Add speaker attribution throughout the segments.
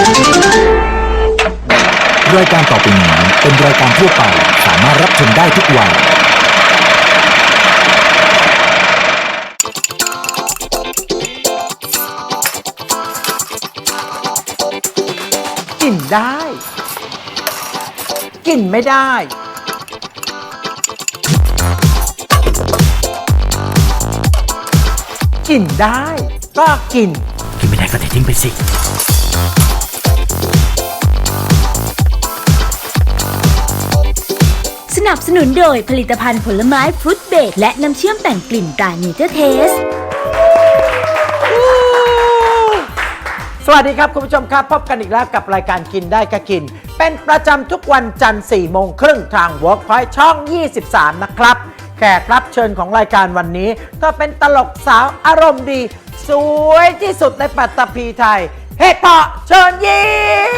Speaker 1: รายการต่อไปนี้เป็นรายการทั่วไปสามารถรับชมได้ทุกวัย
Speaker 2: กินได้ กินไม่ได้ กินได้ก็กิน
Speaker 1: กินไม่ได้ก็ทิ้งไปสิ
Speaker 3: สนับสนุนโดยผลิตภัณฑ์ผลไม้ฟรุตเบรดและน้ำเชื่อมแต่งกลิ่นตราเนเจอร์เทส
Speaker 2: สวัสดีครับคุณผู้ชมครับพบกันอีกแล้วกับรายการกินได้ก็กินเป็นประจำทุกวันจันทร์ 4 โมงครึ่งทาง Workpoint ช่อง 23 นะครับแขกรับเชิญของรายการวันนี้ก็เป็นตลกสาวอารมณ์ดี สวยที่สุดในปัตตภีไทยเห็ดเผาะเชิญยิ้ม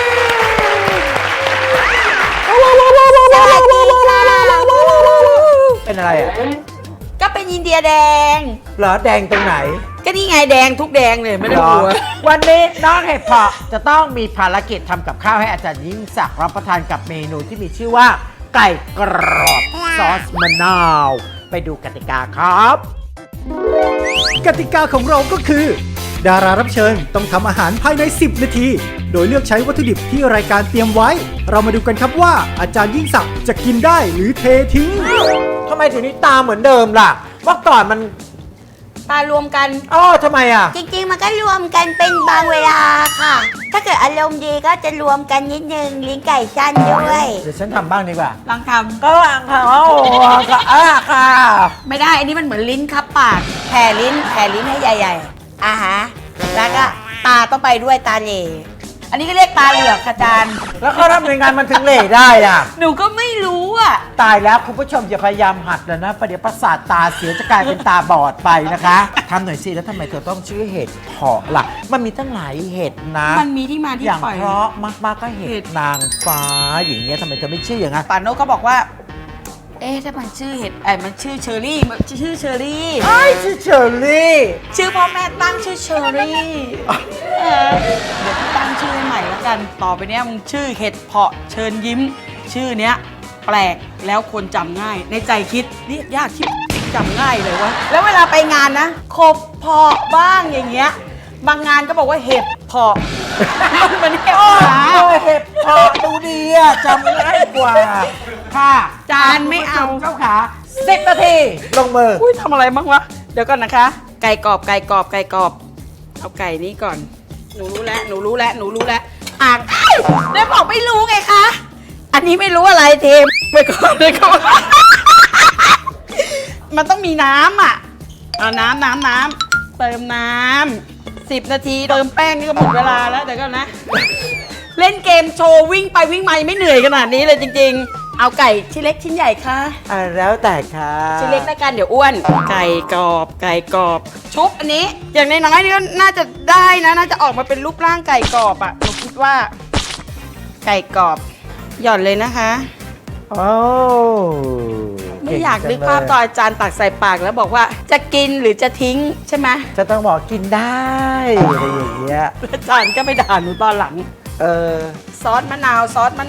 Speaker 2: เป็นอะไรอ่ะ
Speaker 4: ก็เป็นอินเดียแดง
Speaker 2: เหรอแดงตรงไหน
Speaker 4: ก็นี่ไงแดงทุกแดงเลยไม่ได้
Speaker 2: เหร
Speaker 4: ก
Speaker 2: อ
Speaker 4: ลัว
Speaker 2: วันนี้น้องเห็ดเผาะจะต้องมีภารกิจทำกับข้าวให้อาจารย์ยิ่งศักดิ์รับประทานกับเมนูที่มีชื่อว่าไก่กรอบซอสมะนาวไปดูกติกาครับ
Speaker 5: กติกาของเราก็คือ ดารารับเชิญต้องทำอาหารภายใน 10 นาที โดยเลือกใช้วัตถุดิบที่รายการเตรียมไว้ เรามาดูกันครับว่าอาจารย์ยิ่งศักดิ์จะกินได้หรือเททิ้ง
Speaker 2: ทำไมถึงนี้ตาเหมือนเดิมล่ะเมื่อก่อนมัน
Speaker 4: ตารวมกัน
Speaker 2: อ้อทำไมอ่ะ
Speaker 4: จริงๆมันก็รวมกันเป็นบางเวลาค่ะ ถ้าเกิดอารมณ์ดีก็จะรวมกันนิดนึงลิ้นไก่สั้นด้วย
Speaker 2: เดี๋ยวฉันทำบ้างดีกว่า
Speaker 4: ลองท
Speaker 2: ก็วางค่ะโอ้ก็ค่ะ
Speaker 4: ำไม่ได้ อันนี้มันเหมือนลิ้นคับปากแผ่ลิ้นให้ใหญ่ๆฮะแล้วก็ตาต้องไปด้วยตาเหล่อันนี้ก็เรียกตาเหลือกค่ะอาจารย์
Speaker 2: แล้วเขาทำยังไงมันถึงเหล่ได้อ่ะ
Speaker 4: หนูก็ไม่รู้อ่ะ
Speaker 2: ตายแล้วคุณผู้ชมอย่าพยายามหัดเลยนะประเดี๋ยวประสาทตาเสียจะกลายเป็นตาบอดไปนะคะทำหน่อยสิแล้วทำไมเธอต้องชื่อเห็ดเผาะล่ะมันมีตั้งหลายเห็ดนะ
Speaker 4: มันมีที่มาที่
Speaker 2: อย่าง
Speaker 4: ไป
Speaker 2: เพราะมากๆก็เห็ดนางฟ้าอย่างเงี้ยทำไมเธอไม่ชื่ออย่างนั้น
Speaker 4: ป่านโนก็บอกว่า เอ๊ะถ้ามันชื่อเห็ดมันชื่อเชอรี่มันชื่อเชอรี่
Speaker 2: ไอ้ชื่อเชอรี่
Speaker 4: ชื่อพ่อแม่ตั้งชื่อเชอรี่เดี๋ยวตั้งชื่อให้ใหม่แล้วกัน ต่อไปเนี้ยมึงชื่อเห็ดเพาะเชิญยิ้ม ชื่อเนี้ยแปลกแล้วคนจำง่าย ในใจคิดเรียกยากที่จำง่ายเลยวะ แล้วเวลาไปงานนะคบเพาะบ้างอย่างเงี้ย บางงานก็บอกว่าเห็ดเพาะ มันเห็ด
Speaker 2: โอ้
Speaker 4: หา
Speaker 2: เห็ดเผาะดูดีอะจำง่ายกว่าค่ะ
Speaker 4: จานไม่เอา
Speaker 2: เจ้าขา10 นาทีลงมือ
Speaker 4: อุ้ยทำอะไรบ้างวะ เดี๋ยวก่อนนะคะ ไก่กรอบ เอาไก่นี้ก่อน หนูรู้แล้วอ่างได้บอกไม่รู้ไงคะ อันนี้ไม่รู้อะไรเทมไปก่อนเลยก่อนมันต้องมีน้ำอ่ะ เอาน้ำเติมน้ำ10 นาทีเติมแป้งนี่ก็หมดเวลาแล้วเดี๋ยวก่อนนะ เล่นเกมโชว์วิ่งไปวิ่งมายังไม่เหนื่อยขนาดนี้เลยจริงๆ เอาไก่ชิ้นเล็กชิ้นใหญ่ค่ะ
Speaker 2: แล้วแต่ค่ะ
Speaker 4: ชิ้นเล็กแล้วกันเดี๋ยวอ้วน ไก่กรอบชุบอันนี้ อย่างน้อยๆนี่ก็น่าจะได้นะน่าจะออกมาเป็นรูปร่างไก่กรอบอ่ะหนูคิดว่า ไก่กรอบหย่อนเลยนะคะ
Speaker 2: โอ้
Speaker 4: ไม่อยากนึกภาพตอนอาจารย์ตักใส่ปากแล้วบอกว่าจะกินหรือจะทิ้งใช่ไหม
Speaker 2: จะต้องบอกกินได้อะไรอย่างเงี้ย
Speaker 4: อาจารย์ก็ไปด่าหนูตอนหลัง ซอสมะนาว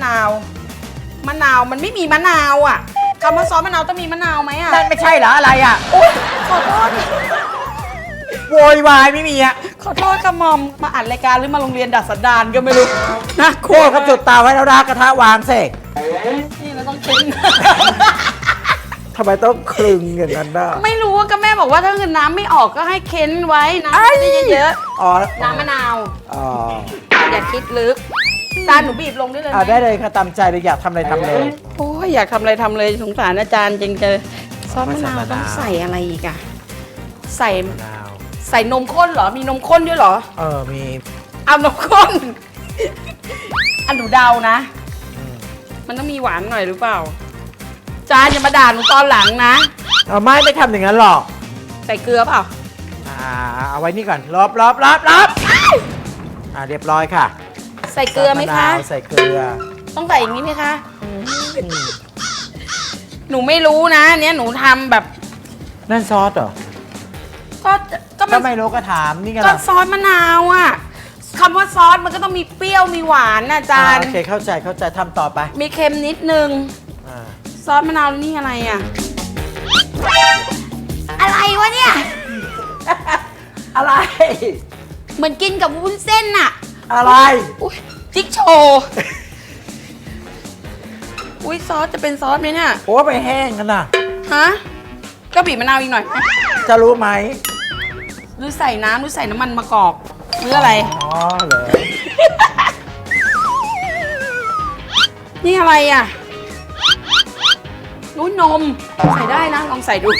Speaker 4: มันไม่มีมะนาวอ่ะคำว่าซอสมะนาวต้องมีมะนาวไหมอ่ะ
Speaker 2: นั่นไม่ใช่เหรออะไรอ่ะ
Speaker 4: โอ๊ยขอโทษ
Speaker 2: โวยวายไม่มีอ่ะ
Speaker 4: ขอโทษค่ะมอมมาอัดรายการหรือมาโรงเรียนดัดสันดานก็ไม่รู้นะ
Speaker 2: โคตรเขาจุดเตาไว้แล้วรากกระทะวางเสก
Speaker 4: นี่เราต้องทิ้ง
Speaker 2: ทำไมต้องคลึงอย่างนั้นน่ะ
Speaker 4: ไม่รู้ว่าก็แม่บอกว่าถ้าเกิดน้ำไม่ออกก็ให้เค้นไว้น้ำไม่ได้เยอะ
Speaker 2: อ๋อ
Speaker 4: ๆน้ำมะนาว
Speaker 2: อ๋อ
Speaker 4: อย่าคิดลึกจานหนูบีบลงได้เลยไหม
Speaker 2: ได้เลยค่ะตามใจเลยอยากทำอะไรทำเลย
Speaker 4: โอ้ยอยากทำอะไรทำเลยสงสารอาจารย์จริงเจอซอสมะนาว
Speaker 2: มะนาว
Speaker 4: ต้องใส่อะไรอีกอะใส่นมข้นเหรอมีนมข้นด้วยเหรอ
Speaker 2: มี
Speaker 4: เอานมข้น อันหนูเดานะ มันต้องมีหวานหน่อยหรือเปล่า จานอย่ามาด่าหนูตอนหลังนะ
Speaker 2: ไม่ทำอย่างนั้นหรอก
Speaker 4: ใส่เกลือเปล่า
Speaker 2: เอาไว้นี่ก่อนลบเรียบร้อยค่ะ
Speaker 4: ใส่เกลือไหมคะ
Speaker 2: ใส่เกลือ
Speaker 4: ต้องใส่อย่างนี้ไหมคะ หนูไม่รู้นะเนี้ยหนูทำแบบ
Speaker 2: นั่นซอสเหรอ
Speaker 4: ก็
Speaker 2: ก็
Speaker 4: มัน
Speaker 2: ไม่รู้ก็ถามนี่ไง
Speaker 4: ก็
Speaker 2: ล่ะ
Speaker 4: ซอสมะนาวอ่ะ ซคำว่าซอสมันก็ต้องมีเปรี้ยวมีหวานนะอาจารย์
Speaker 2: โอเคเข้าใจทำต่อไป
Speaker 4: มีเค็มนิดนึง
Speaker 2: อ่า
Speaker 4: ซอสมะนาวนี่อะไรอ่ะ อะไรวะเนี่ย
Speaker 2: อะไร
Speaker 4: เหมือนกินกับวุ้นเส้นน่ะ
Speaker 2: อะไร
Speaker 4: อุ๊ยจิ๊กโชว์อุ้ยซอสจะเป็นซอสไหมเนี่ย
Speaker 2: โอ้ไปแห้งกันนะ
Speaker 4: ฮะก็บีบมะนาวอีกหน่อยไหม
Speaker 2: จะรู้ไหม
Speaker 4: หรือใส่น้ำหรือใส่น้ำมันมะกอกหรืออะไร
Speaker 2: อ๋อเหรอ
Speaker 4: นี่อะไรอ่ะนู้นนม ใส่ได้นะ ลองใส่ดู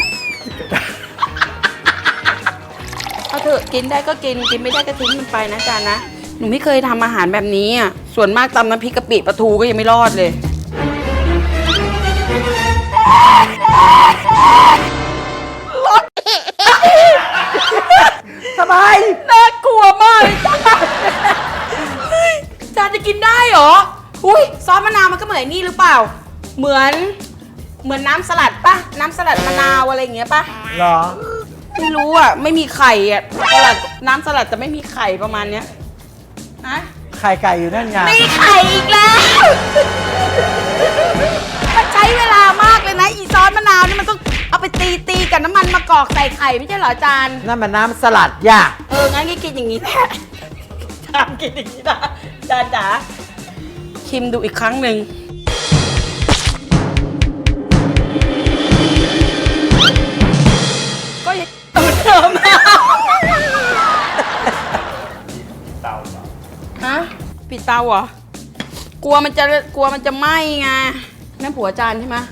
Speaker 4: เอาเถอะกินได้ก็กิน กินไม่ได้ก็ทิ้งมันไปนะจานนะ หนูไม่เคยทำอาหารแบบนี้อ่ะ ส่วนมากตำน้ำพริกกะปิปลาทูก็ยังไม่รอดเลย
Speaker 2: ทำไม
Speaker 4: น่ากลัวมากเลยเฮ้ยจานจะกินได้เหรอ อุ้ยซอสมะนาวมันก็เหมือนนี่หรือเปล่า เหมือนน้ำสลัดปะน้ำสลัดมะนาวอะไรอย่างเงี้ยปะ
Speaker 2: เหรอ
Speaker 4: ไม่รู้อ่ะ ไม่มีไข่อ่ะสลัดน้ำสลัดแต่ไม่มีไข่ประมาณเนี้ยนะ
Speaker 2: ไข่ไก่อยู่นั่นไง
Speaker 4: ไม่ไข่อีกแล้วมันใช้เวลามากเลยนะ อีซอสมะนาวนี่มันต้องเอาไปตีกับน้ำมันมะกอกใส่ไข่ไม่ใช่เหรออาจารย์
Speaker 2: นั่นมันน้ำสลัดย่า
Speaker 4: งั้นก็กินอย่างนี้แหละทำกินอย่างนี้นะจานจ๋าชิมดูอีกครั้งหนึ่งก็ยังเหมือนเดิมฮะปิดเตาเหรอ กลัวมันจะไหม้ไงนั่นผัวอาจารย์ใช่ไหม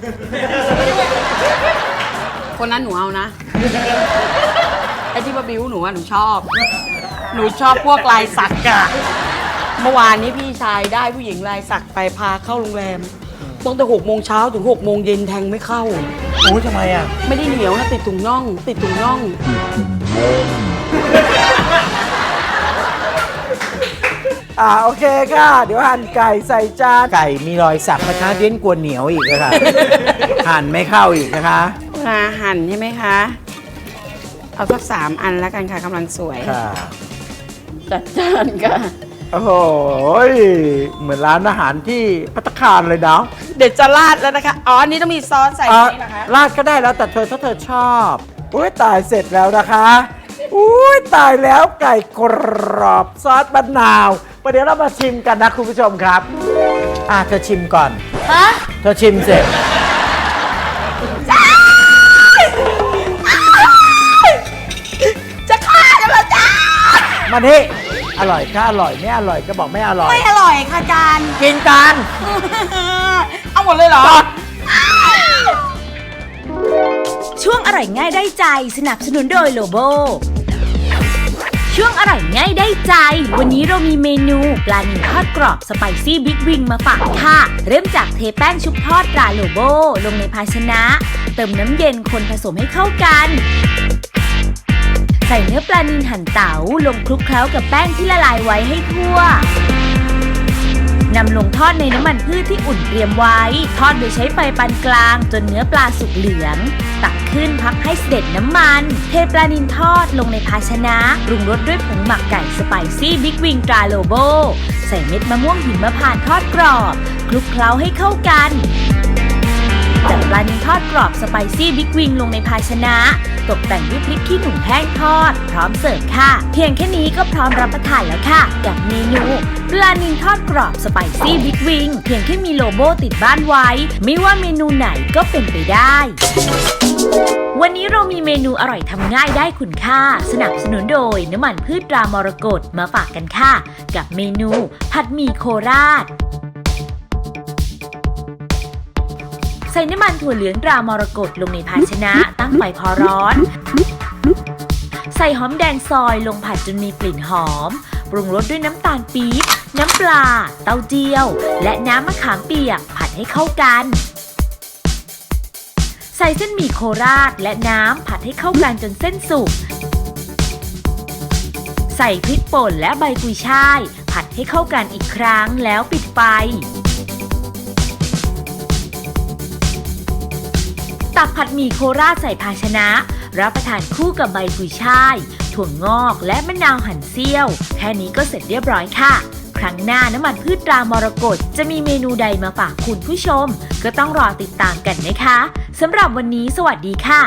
Speaker 4: คนนั้นหนูเอานะ ไอ้ที่มาบิ้วหนูอะหนูชอบพวกลายสักอะเมื่อวานนี้พี่ชายได้ผู้หญิงลายสักไปพาเข้าโรงแรมตั้งแต่6 โมงเช้าถึง6 โมงเย็นแทงไม่เข้า
Speaker 2: โอ้ยทำไมอ่ะ
Speaker 4: ไม่ได้เหนียวนะติดถุงน่อง
Speaker 2: โอเคค่ะ เดี๋ยวหั่นไก่ใส่จาน ไก่มีรอยสักนะคะเดี้ยนกลัวเหนียวอีกนะคะ หั่นไม่เข้าอีกนะคะ
Speaker 4: หั่นใช่ไหมคะ เอาสัก3 อันแล้วกันค่ะกำลังสวย
Speaker 2: ค่ะ
Speaker 4: จัดจานค่ะ
Speaker 2: โอ้โหเหมือนร้านอาหารที่ภัตตาคารเลยเนาะ
Speaker 4: เดี๋ยวจะราดแล้วนะคะ อ๋ออันนี้ต้องมีซอสใส่ตรงนี้เหรอคะ
Speaker 2: ราดก็ได้แล้วแต่ถ้าเธอชอบอุ้ยตายเสร็จแล้วนะคะอุ้ยตายแล้วไก่กรอบซอสมะนาวประเดี๋ยวเรามาชิมกันนะคุณผู้ชมครับเธอชิมก่อน
Speaker 4: ฮะ
Speaker 2: เธอชิมเสร็จ
Speaker 4: จะฆ่ากันเหรอจ้า
Speaker 2: มานี่อร่อยก็อร่อยไม่อร่อยก็บอกไม่อร่อย
Speaker 4: ไม่อร่อยค่ะจาน
Speaker 2: กินกัน
Speaker 4: เอาหมดเลยเหรอ
Speaker 3: ช่วงอร่อยง่ายได้ใจสนับสนุนโดยโลโบ ช่วงอร่อยง่ายได้ใจ วันนี้เรามีเมนูปลานิลทอดกรอบสไปซี่บิ๊กวิงมาฝากค่ะ เริ่มจากเทแป้งชุบทอดปลาโลโบลงในภาชนะ เติมน้ำเย็นคนผสมให้เข้ากัน ใส่เนื้อปลานิลหั่นเต๋าลงคลุกเคล้ากับแป้งที่ละลายไว้ให้ทั่วนำลงทอดในน้ำมันพืชที่อุ่นเตรียมไว้ ทอดโดยใช้ไฟปานกลางจนเนื้อปลาสุกเหลือง ตักขึ้นพักให้เสด็จน้ำมัน เทปลานิลทอดลงในภาชนะปรุงรสด้วยผงหมักไก่สไปซี่บิ๊กวิงตราโลโบ ใส่เม็ดมะม่วงหิมพานต์ทอดกรอบคลุกเคล้าให้เข้ากัน จัดปลานิลทอดกรอบสไปซี่บิ๊กวิงลงในภาชนะ ตกแต่งด้วยพริกขี้หนูแห้งทอด พร้อมเสิร์ฟค่ะ เพียงแค่นี้ก็พร้อมรับประทานแล้วค่ะ กับเมนูปลานิลทอดกรอบสไปซี่บิ๊กวิงเพียงแค่มีโลโก้ติดบ้านไว้ ไม่ว่าเมนูไหนก็เป็นไปได้ วันนี้เรามีเมนูอร่อยทำง่ายได้คุณค่า สนับสนุนโดยน้ำมันพืชตรามรกตมาฝากกันค่ะ กับเมนูผัดหมี่โคราช ใส่น้ำมันถั่วเหลืองตรามรกตลงในภาชนะตั้งไฟพอร้อน ใส่หอมแดงซอยลงผัดจนมีกลิ่นหอม ปรุงรสด้วยน้ำตาลปี๊บ น้ำปลา เต้าเจี้ยว และน้ำมะขามเปียกผัดให้เข้ากัน ใส่เส้นหมี่โคราชและน้ำผัดให้เข้ากันจนเส้นสุก ใส่พริกป่นและใบกุยช่าย ผัดให้เข้ากันอีกครั้งแล้วปิดไฟ ตักผัดหมี่โคราชใส่ภาชนะรับประทานคู่กับใบกุยช่ายถั่วงอกและมะนาวหั่นเสี้ยว แค่นี้ก็เสร็จเรียบร้อยค่ะ ครั้งหน้าน้ำมันพืชตรามรกตจะมีเมนูใดมาฝากคุณผู้ชม ก็ต้องรอติดตามกันนะคะสำหรับวันนี้สวัสดีค่ะ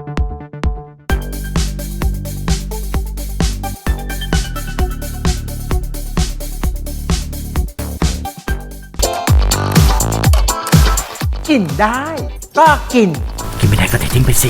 Speaker 2: กินได้ก็กิน
Speaker 1: กินไม่ได้ก็เททิ้งไปสิ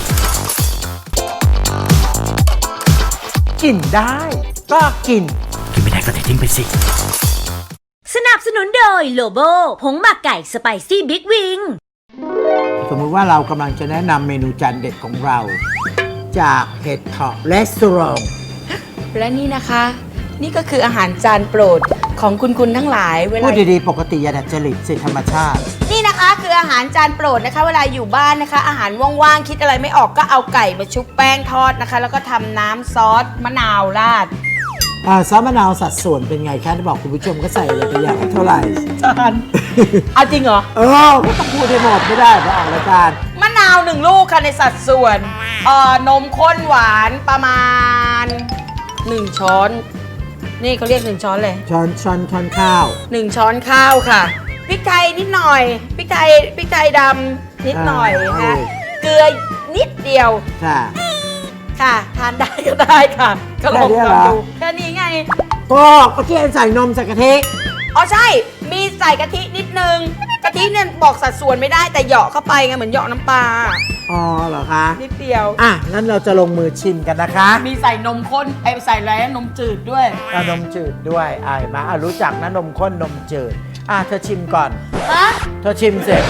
Speaker 2: กินได้ก็กิน
Speaker 1: กินไม่ได้ก็เททิ้งไปสิ
Speaker 3: สนับสนุนโดยโลโบผงหมักไก่สไปซี่บิ๊กวิง
Speaker 2: สมมติว่าเรากำลังจะแนะนำเมนูจานเด็ดของเรา จากเห็ดเผาะรีสอร์ท
Speaker 4: และนี่นะคะ นี่ก็คืออาหารจานโปรดของคุณทั้งหลายเวลา
Speaker 2: พูดดีๆ ปกติอย่าดัดจริตสิธรรมชาติ
Speaker 4: นี่นะคะคืออาหารจานโปรดนะคะ เวลาอยู่บ้านนะคะ อาหารว่างๆคิดอะไรไม่ออกก็เอาไก่มาชุบแป้งทอดนะคะ แล้วก็ทำน้ำซอสมะนาวราด
Speaker 2: ซอสมะนาวสัดส่วนเป็นไงคะที่บอกคุณผู้ชมก็ใส่อะไรไปอย่างเท่าไหร่
Speaker 4: จานเอาจริงเหรอ
Speaker 2: ก็ต้องพูดให้หมดไม่ได้เพราะออกรายการ
Speaker 4: มะนาว1 ลูกค่ะในสัดส่วนนมข้นหวานประมาณ1 ช้อน นี่เขาเรียก1 ช้อนเลย
Speaker 2: ช้อนข้าว
Speaker 4: 1 ช้อนข้าวค่ะพริกไทยนิดหน่อยพริกไทยดำนิดหน่อยนะเกลือนิดเดียว
Speaker 2: ค่ะ
Speaker 4: ค่ะทานได้ก็ได้ค่ะ ก็ลอง
Speaker 2: แค่นี้เหรอ
Speaker 4: ดูแค่นี้ไง
Speaker 2: ก็เมื่อกี้ใส่นมใส่กะทิ
Speaker 4: อ๋อใช่ มีใส่กะทินิดนึงกะทิเนี่ยบอกสัดส่วนไม่ได้แต่เหยาะเข้าไปไงเหมือนเหยาะน้ำปลา
Speaker 2: อ๋อเหรอคะ
Speaker 4: นิดเดียว
Speaker 2: งั้นเราจะลงมือชิมกันนะคะ
Speaker 4: มีใส่นมข้นใส่อะไรนะนมจืดด้วย
Speaker 2: นมจืดด้วยมารู้จักนะนมข้นนมจืดเธอชิมก่อน
Speaker 4: ฮะ
Speaker 2: เธอชิมเสร็จ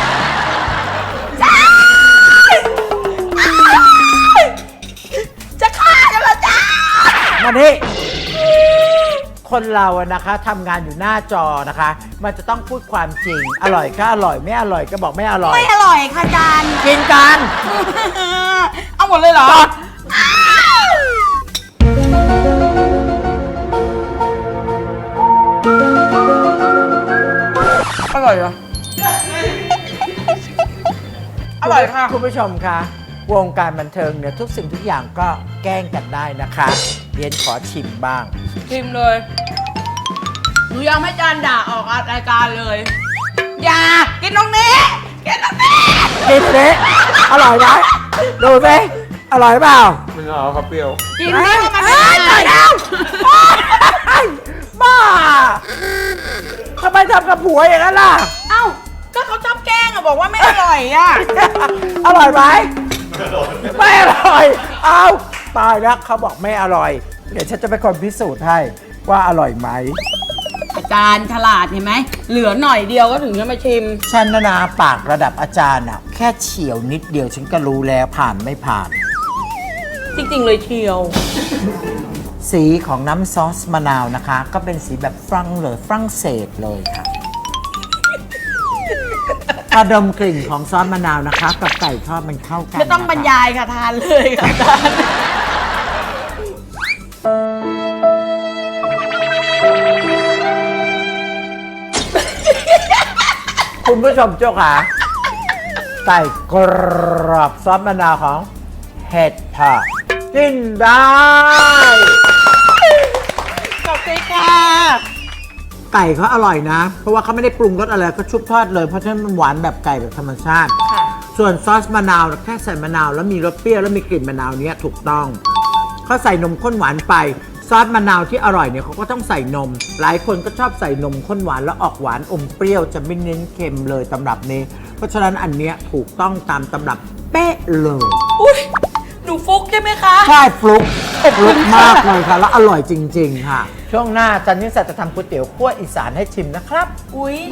Speaker 4: จะฆ่ากันเหรอจ้า
Speaker 2: มานี่คนเราอะนะคะทำงานอยู่หน้าจอนะคะ มันจะต้องพูดความจริง อร่อยก็อร่อยไม่อร่อยก็บอกไม่อร่อย
Speaker 4: ไม่อร่อยค่ะจาน
Speaker 2: กินกัน
Speaker 4: เอาหมดเลยเหรอ อร่อยเหรอ อร่อยค่ะ
Speaker 2: คุณผู้ชมคะวงการบันเทิงเนี่ยทุกสิ่งทุกอย่างก็แกล้งกันได้นะคะเรียนขอชิมบ้าง
Speaker 4: ชิมเลย หนูยังไม่จานด่าออกรายการเลย อย่า กินตรงนี้ กินตรงนี้
Speaker 2: กินเลยอร่อยไหมดูสิอร่อยเปล่า
Speaker 6: ไม่เอาครับเปรี้ยว
Speaker 4: กินนี่มัน
Speaker 2: เอ้ยตายแล้วบ้าทำไมทำกับผัวอย่างนั้นล่ะ
Speaker 4: เอ้า ก็เขาชอบแกล้งอะบอกว่าไม่อร่อยอะ
Speaker 2: อร่อยไหมไม่อร่อย เอาตายแล้วเขาบอกไม่อร่อย เดี๋ยวฉันจะเป็นคนพิสูจน์ให้ว่าอร่อยไหม
Speaker 4: อาจารย์ฉลาดเห็นไหม เหลือหน่อยเดียวก็ถึงจะมาชิม
Speaker 2: ฉันนาปากระดับอาจารย์น่ะแค่เฉียวนิดเดียวฉันก็รู้แล้วผ่านไม่ผ่าน
Speaker 4: จริงๆเลยเชียว
Speaker 2: สีของน้ำซอสมะนาวนะคะ ก็เป็นสีแบบฝรั่งเศสเลยค่ะพอดมกลิ่นของซอสมะนาวนะคะ กับไก่ทอดมันเข้ากัน
Speaker 4: ไม่ต้องบรร
Speaker 2: นะคะ
Speaker 4: ยายค่ะทานเลยค่ะอาจารย์
Speaker 2: คุณผู้ชมเจ้าค่ะไก่กรอบซอสมะนาวของเห็ดเผาะกินได้
Speaker 4: ขอบคุณค่ะ
Speaker 2: ไก่เขาอร่อยนะ เพราะว่าเขาไม่ได้ปรุงรสอะไรก็ชุบทอดเลยเพราะฉะนั้นมันหวานแบบไก่แบบธรรมชาติ
Speaker 4: ค่ะ
Speaker 2: ส่วนซอสมะนาวแค่ใส่มะนาวแล้วมีรสเปรี้ยวแล้วมีกลิ่นมะนาวเนี้ยถูกต้องเขาใส่นมข้นหวานไปซอสมะนาวที่อร่อยเนี่ยเขาก็ต้องใส่นม หลายคนก็ชอบใส่นมข้นหวานแล้วออกหวานอมเปรี้ยวจะไม่เน้นเค็มเลยตำรับนี้ เพราะฉะนั้นอันเนี้ยถูกต้องตามตำรับเป๊ะเลย
Speaker 4: อุ้ยหนูฟุกใช่ไหมคะ
Speaker 2: ใช่ฟลุกมากเลยค่ะแล้วอร่อยจริง ๆ ค่ะ ช่วงหน้าจันนิสาจะทำก๋วยเตี๋ยวคั่วอีสานให้ชิมนะครับ
Speaker 4: อุ้ย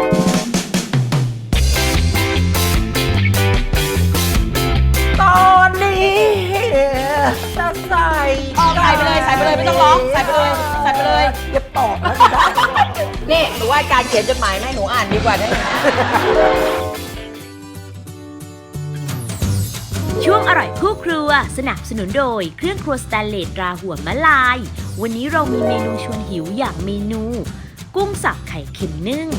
Speaker 2: ตอนนี้จะใส่
Speaker 4: ใส่ไปเลยใส่ไปเลยไม่ต้องร้องใส่ไปเลยใส่ไปเลย
Speaker 2: อย่าตอบนะ
Speaker 4: นี่หนูว่าการเขียนจดหมายให้หนูอ่านดีกว่าได้ไหม
Speaker 3: ช่วงอร่อยคู่ครัวสนับสนุนโดยเครื่องครัวสแตนเลสตราหัวมะลาย วันนี้เรามีเมนูชวนหิวอย่างเมนู กุ้งสับไข่เค็มนึ่ง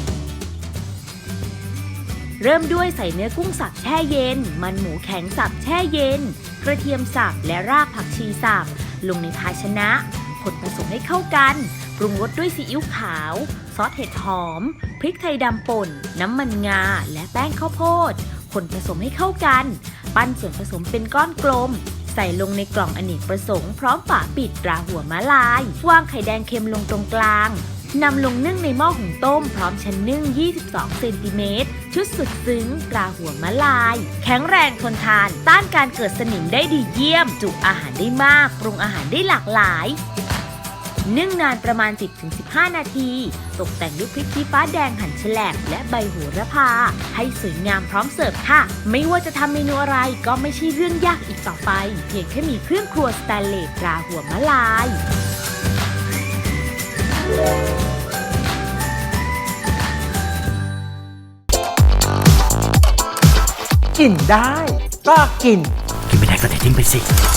Speaker 3: เริ่มด้วยใส่เนื้อกุ้งสับแช่เย็น มันหมูแข็งสับแช่เย็น กระเทียมสับและรากผักชีสับลงในภาชนะคนผสมให้เข้ากันปรุงรสด้วยซีอิ๊วขาว ซอสเห็ดหอม พริกไทยดำป่น น้ำมันงา และแป้งข้าวโพดคนผสมให้เข้ากัน ปั้นส่วนผสมเป็นก้อนกลม ใส่ลงในกล่องอเนกประสงค์พร้อมฝาปิดราหัวม้าลายวางไข่แดงเค็มลงตรงกลางนำลงนึ่งในหม้อหุงต้มพร้อมชั้นนึ่ง 22 เซนติเมตร ชุดสุดซึ้งปลาหัวมะลาย แข็งแรงทนทาน ต้านการเกิดสนิมได้ดีเยี่ยม จุอาหารได้มาก ปรุงอาหารได้หลากหลาย นึ่งนานประมาณ 10-15 นาที ตกแต่งด้วยพริกชี้ฟ้าแดงหั่นแฉลบและใบโหระพา ให้สวยงามพร้อมเสิร์ฟค่ะ ไม่ว่าจะทำเมนูอะไรก็ไม่ใช่เรื่องยากอีกต่อไป เพียงแค่มีเครื่องครัวสแตนเลสปลาหัวมะลาย
Speaker 2: กินได้ก็กิน
Speaker 1: กินไม่ได้ก็เททิ้งไปสิ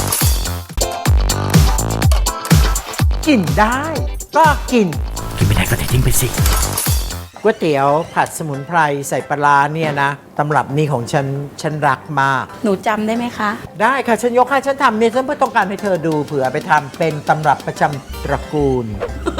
Speaker 2: กินได้ก็กิน
Speaker 1: กินไม่ได้ก็เททิ้งไปสิ
Speaker 2: ก๋วยเตี๋ยวผัดสมุนไพรใส่ปลาร้าเนี่ยนะตำรับนี้ของฉันรักมาก
Speaker 4: หนูจำได้ไหมคะ
Speaker 2: ได้ค่ะ ฉันยกให้ฉันทำเนี่ยฉันเพื่อต้องการให้เธอดูเผื่อไปทำเป็นตำรับประจำตระกูล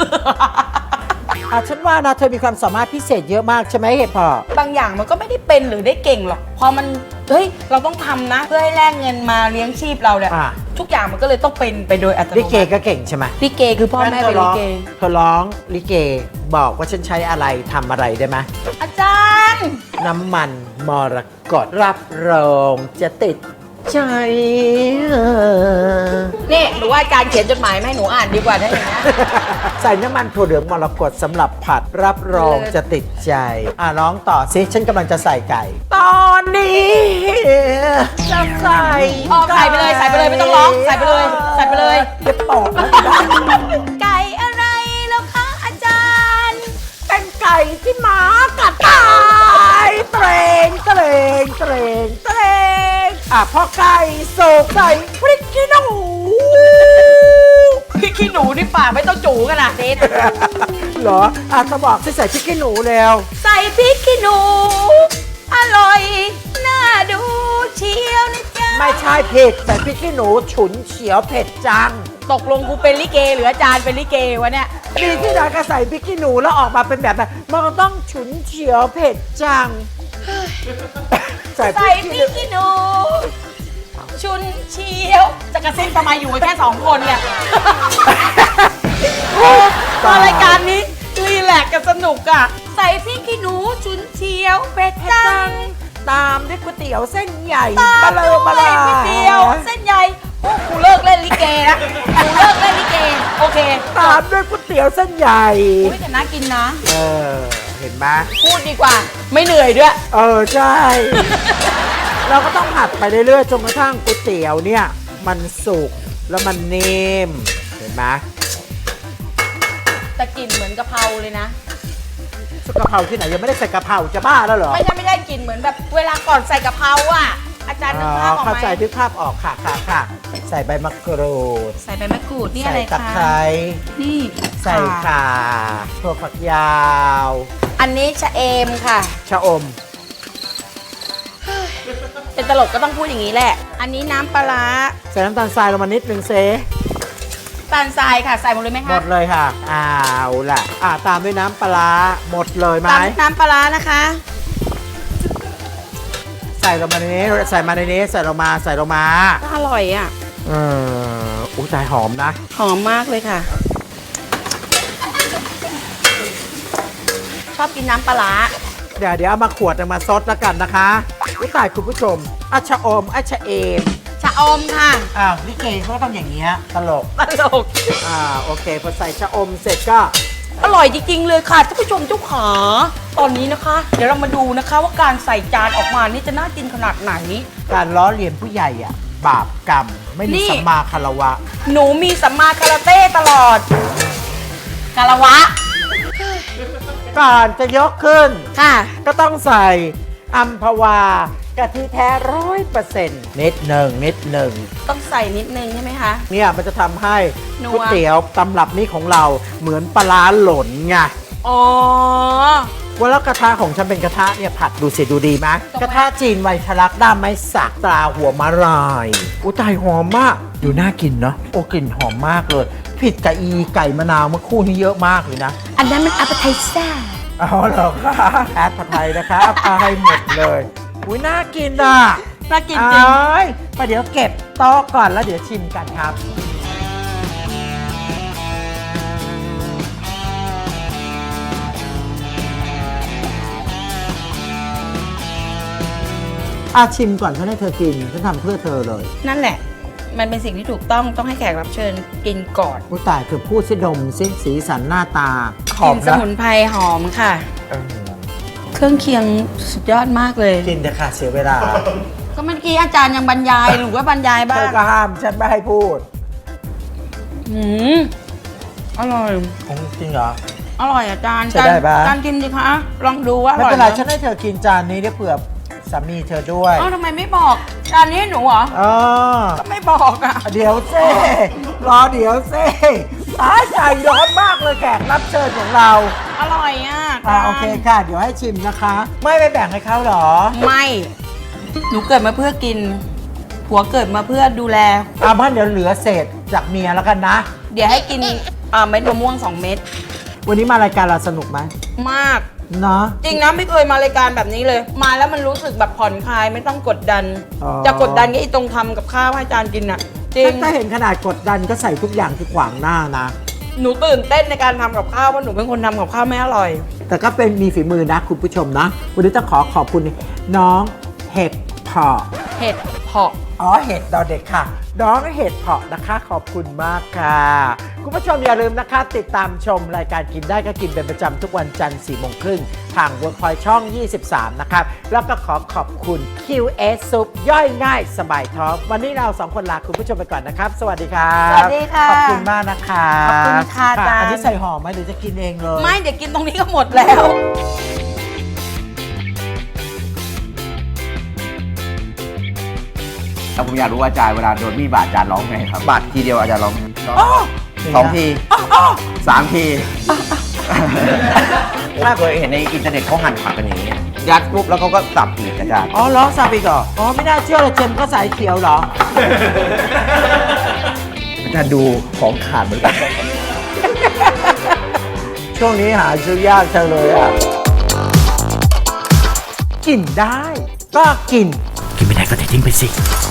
Speaker 2: ฉันว่านะเธอมีความสามารถพิเศษเยอะมากใช่ไหมเห็ดเพาะ
Speaker 4: บางอย่างมันก็ไม่ได้เป็นหรือได้เก่งหรอก พอมัน เฮ้ย เราต้องทำนะ เพื่อให้แลกเงินมาเลี้ยงชีพเราเนี่ย
Speaker 2: อ่ะ
Speaker 4: ทุกอย่างมันก็เลยต้องเป็นไปโดยอัตโน
Speaker 2: ลิเก
Speaker 4: มัติ
Speaker 2: ก็เก่งใช่ไหม
Speaker 4: ลิเกคือพ่อแม่เป็นลิเก
Speaker 2: เธอร้องลิเกบอกว่าฉันใช้อะไรทำอะไรได้ไหม
Speaker 4: อาจารย์
Speaker 2: น้ำมันมรกตรับรองจะติดใจ
Speaker 4: นี่หนูว่าอาจารย์เขียนจดหมายมาให้หนูอ่านดีกว่าถ้าอย่างนี้น
Speaker 2: ใส่น้ำมันถั่วเหลืองมรกตสำหรับผัดรับรองจะติดใจร้องต่อสิฉันกำลังจะใส่ไก่ ตอนนี้จะใส่
Speaker 4: ใส่ไปเลยใส่ไปเลยไม่ต้องร้องใส่ไปเลยใส่ไปเลย
Speaker 2: เดี๋ยวปอกนะ
Speaker 4: ไก่อะไรแล้วคะอาจารย์
Speaker 2: เป็นไก่ที่หมากัดตายเตรงเตรงเตรงเตรงพอไก่สุกใส่พริกขี้หนู
Speaker 4: พี่ขี้หนูนี่ปากไม่ต้องจูกันนะเด็ด
Speaker 2: เหรอจะบอกให้ใส่พริกขี้หนูแล้ว
Speaker 4: ใส่พริกขี้หนู อร่อย น่าดูเชียวนะจ๊ะ
Speaker 2: ไม่ใช่เผ็ดใส่พริกขี้หนูฉุนเฉียวเผ็ดจัง
Speaker 4: ตกลงกูเป็นลิเกหรืออาจารย์เป็นลิเกวะเนี่ย
Speaker 2: ดีที่ไหนก็ใส่พริกขี้หนูแล้วออกมาเป็นแบบนั้นมันก็ต้องฉุนเฉียวเผ็ดจัง
Speaker 4: ใส่พริกขี้หนู ชุนเชียว จะกระซิบทำไมอยู่กันแค่2 คนเนี่ยตอนรายการนี้รีแลกซ์กันสนุกอ่ะ ใส่พริกขี้หนูชุนเชียวเป็ดจัง
Speaker 2: ตามด้วยก๋วยเตี๋ยวเส้นใหญ่
Speaker 4: ตาม
Speaker 2: บะเล
Speaker 4: ด้
Speaker 2: อ
Speaker 4: วย
Speaker 2: บะลา
Speaker 4: ก๋วยเตี๋ยวเส้นใหญ่โอ้กูเลิกเล่นลิเกนะกูเลิกเล่นลิเก โอเค
Speaker 2: ตามด้วยก๋วยเตี๋ยวเส้นใหญ่
Speaker 4: อุ้ยแต่น่ากินนะ
Speaker 2: เห็นไหม
Speaker 4: พูดดีกว่า ไม่เหนื่อยด้วย
Speaker 2: ใช่ เราก็ต้องผัดไปเรื่อยๆจนกระทั่งก๋วยเตี๋ยวเนี่ยมันสุกแล้วมันนิ่มเห็นไหม
Speaker 4: แต่กลิ่นเหมือนกะเพราเลยนะ
Speaker 2: กะเพราที่ไหนยังไม่ได้ใส่กะเพราจะบ้าแล้วเหรอ
Speaker 4: ไม่ได้กลิ่นเหมือนแบบเวลาก่อนใส่กะเพราอ่ะ อาจารย์นึกภาพออก
Speaker 2: เข้า
Speaker 4: ไหม
Speaker 2: ใจนึกภาพออกค่ะใส่ใบมะกรูด
Speaker 4: ใส่ใบมะกรูดนี่อะ
Speaker 2: ใส่
Speaker 4: ไร
Speaker 2: ตะ
Speaker 4: คะ
Speaker 2: ไคร้
Speaker 4: นี่
Speaker 2: ใส่ข่าถั่วฝักยาว
Speaker 4: อันนี้ชะเอมค่ะ
Speaker 2: ชะอม
Speaker 4: เป็นตลกก็ต้องพูดอย่างนี้แหละ อันนี้น้ำปลาร้า
Speaker 2: ใส่น้ำตาลทรายลงมานิดนึงเซ
Speaker 4: ตาลทรายค่ะ ใส่หมดเลยไหม
Speaker 2: หม
Speaker 4: คะ
Speaker 2: ดเลยค่ะเอาล่ะตามด้วยน้ำปลาร้าหมดเลยไหม
Speaker 4: ตามน้ำปลาร้านะคะ
Speaker 2: ใส่ลงมาในนี้ใส่มาในนี้ใส่ลงมา
Speaker 4: อร่อยอ่ะ
Speaker 2: อุ้ยตายหอมนะ
Speaker 4: หอมมากเลยค่ะ ชอบกินน้ำปลาร้า
Speaker 2: เดี๋ยวเอามาขวดมาซดแล้วกันนะคะอุ้ยตายคุณผู้ชมชะอมชะเอม
Speaker 4: ชะอมค่ะ
Speaker 2: ลิเกเขาก็ต้องอย่างเงี้ยตลก
Speaker 4: ตลก
Speaker 2: โอเคพอใส่ชะอมเสร็จก็
Speaker 4: อร่อยจริงๆเลยค่ะท่านผู้ชมเจ้าขาตอนนี้นะคะ เดี๋ยวเรามาดูนะคะว่าการใส่จานออกมานี่จะน่ากินขนาดไหน
Speaker 2: การล้อเลียนผู้ใหญ่บาปกรรมไม่มี
Speaker 4: นี่
Speaker 2: สัมมาคารวะ
Speaker 4: หนูมีสัมมาคาราเต้ตลอดคารวะ
Speaker 2: ก่อนจะยกขึ้น
Speaker 4: ค่ะ
Speaker 2: ก็ต้องใส่อัมพวากะทิแท้100%นิดหนึ่ง
Speaker 4: ต้องใส่นิดนึงใช่ไหมคะ
Speaker 2: เนี่ยมันจะทำให้
Speaker 4: นัว
Speaker 2: ก๋วยเตี๋ยวตำรับนี้ของเราเหมือนปลาร้าหล่นไง
Speaker 4: อ๋อ
Speaker 2: ว่าแล้วกระทะของฉันเป็นกระทะเนี่ยผัดดูสิดูดีไหมกระทะจีนไวทะลักด้ามไม้สักตราหัวมะลายอุ้ยตายหอมมากดูน่ากินเนาะโอ้กลิ่นหอมมากเลย ผิดกับอีไก่มะนาวเมื่อคู่นี้เยอะมากเลยนะ
Speaker 3: อันนั้นมันอัปเปอร์ไทเซอร์
Speaker 2: อ๋อเหรอคะแอดผัดไทยนะคะเอาไปให้หมดเลยอุ้ยน่ากินอ่ะ
Speaker 4: น่ากินจริง
Speaker 2: เอ้ยประเดี๋ยวเก็บโต๊ะก่อนแล้วเดี๋ยวชิมกันครับชิมก่อนฉันให้เธอกินฉันทำเพื่อเธอเลย
Speaker 4: นั่นแหละ มันเป็นสิ่งที่ถูกต้องให้แขกรับเชิญกินก่อน
Speaker 2: อุ้ยตายเธอพูดสิดมสิสีสันหน้าตาห
Speaker 4: ก
Speaker 2: อ
Speaker 4: ลิ่
Speaker 2: ม
Speaker 4: นส
Speaker 2: นะ
Speaker 4: มุนไพรหอมค่ะ
Speaker 2: เออ
Speaker 4: เครื่องเคียงสุดยอดมากเลย
Speaker 2: กินเถอะค่ะเสียเวลา
Speaker 4: ก็เมื่อกี้อาจารย์ยังบรรยายหรือว่าบรรยายบ้า
Speaker 2: เธอง ก็ห้ามฉันไม่ให้พูด
Speaker 4: อืมอร่อย
Speaker 2: จริงเหรอ
Speaker 4: อร่อยอาจารย์
Speaker 2: ใช้ได้ปะ
Speaker 4: อาจารย์กินดิคะ ลองดูว่าอ
Speaker 2: ไม่
Speaker 4: ร่อย
Speaker 2: เป็นไร
Speaker 4: ห
Speaker 2: ฉันให้เธอกินจานนี้เดี๋ยวเผื่อสามีเธอด้วย
Speaker 4: เอ้าทำไมไม่บอกจานนี้ให้หนูเหรอ
Speaker 2: อ๋อ
Speaker 4: ก็ไม่บอกอ่ะ
Speaker 2: เดี๋ยวเซ่รอเดี๋ยวเซ่ตายใจร้อนมากเลยแขกรับเชิญของเรา
Speaker 4: อร่อยอ่ะ
Speaker 2: โอเคค่ะ เดี๋ยวให้ชิมนะคะ ไม่ไปแบ่งให้เขาเหรอ
Speaker 4: ไม่ หนูเกิดมาเพื่อกิน ผัวเกิดมาเพื่อดูแล
Speaker 2: บ้านเดี๋ยวเหลือเศษจากเมียแล้วกันนะ
Speaker 4: เดี๋ยวให้กินเม็ดมะม่วง 2 เม็ด
Speaker 2: วันนี้มารายการเราสนุกไหม
Speaker 4: มาก
Speaker 2: เนาะ
Speaker 4: จริงนะไม่เคยมารายการแบบนี้เลย มาแล้วมันรู้สึกแบบผ่อนคลายไม่ต้องกดดัน
Speaker 2: อ๋อ
Speaker 4: จะกดดันก็ไอ้ตรงทำกับข้าวให้อาจารย์กินอ่ะ จริง
Speaker 2: ถ้าเห็นขนาดกดดันก็ใส่ทุกอย่างที่ขวางหน้านะ
Speaker 4: หนูตื่นเต้นในการทำกับข้าวเพราะหนูเป็นคนทำกับข้าวไม่อร่อย
Speaker 2: แต่ก็เป็นมีฝีมือนะคุณผู้ชมนะ วันนี้ต้องขอขอบคุณน้องเห็ดเพาะ
Speaker 4: เห็ดเพาะ
Speaker 2: อ๋อเห็ดดอเด็กค่ะ น้องเห็ดเพาะนะคะ ขอบคุณมากค่ะ คุณผู้ชมอย่าลืมนะคะ ติดตามชมรายการกินได้ก็กินเป็นประจำทุกวันจันทร์4 โมงครึ่งทาง Workpoint ช่อง 23 นะครับ แล้วก็ขอบคุณ QS Soup ย่อยง่ายสบายท้อง วันนี้เรา2คนลาคุณผู้ชมไปก่อนนะครับ สวัสดีครับ
Speaker 4: สวัสดีค่ะ
Speaker 2: ขอบคุณมากนะคะ
Speaker 4: ขอบคุณค่ะอาจารย์
Speaker 2: อันนี้ใส่หอมไหมหรือจะกินเองเลย
Speaker 4: ไม่เดี๋ยวกินตรงนี้ก็หมดแล้ว
Speaker 6: แล้วผมอยากรู้ว่าอาจารย์เวลาโดนมีดบาดอาจารย์ร้องไงครับ บาดทีเดียวอาจารย์ร้องไง สองที3 ทีถ้าเคยเห็นในอินเทอร์เน็ตเขาหั่นผักกันอย่างนี้ ยัดปุ๊บแล้วเขาก็สับอีกอาจารย์
Speaker 2: อ๋อล้อซาบิกเหรออ๋อไม่น่าเชื่อเลยเจมส์ก็สายเขียวเหรอ
Speaker 6: อาจารย์ดูของขาดเหมือนกัน
Speaker 2: ช่วงนี้หาซื้อยากจังเลยอ่ะ กินได้ ก็กิน
Speaker 1: กินไม่ได้ก็เททิ้งไปสิ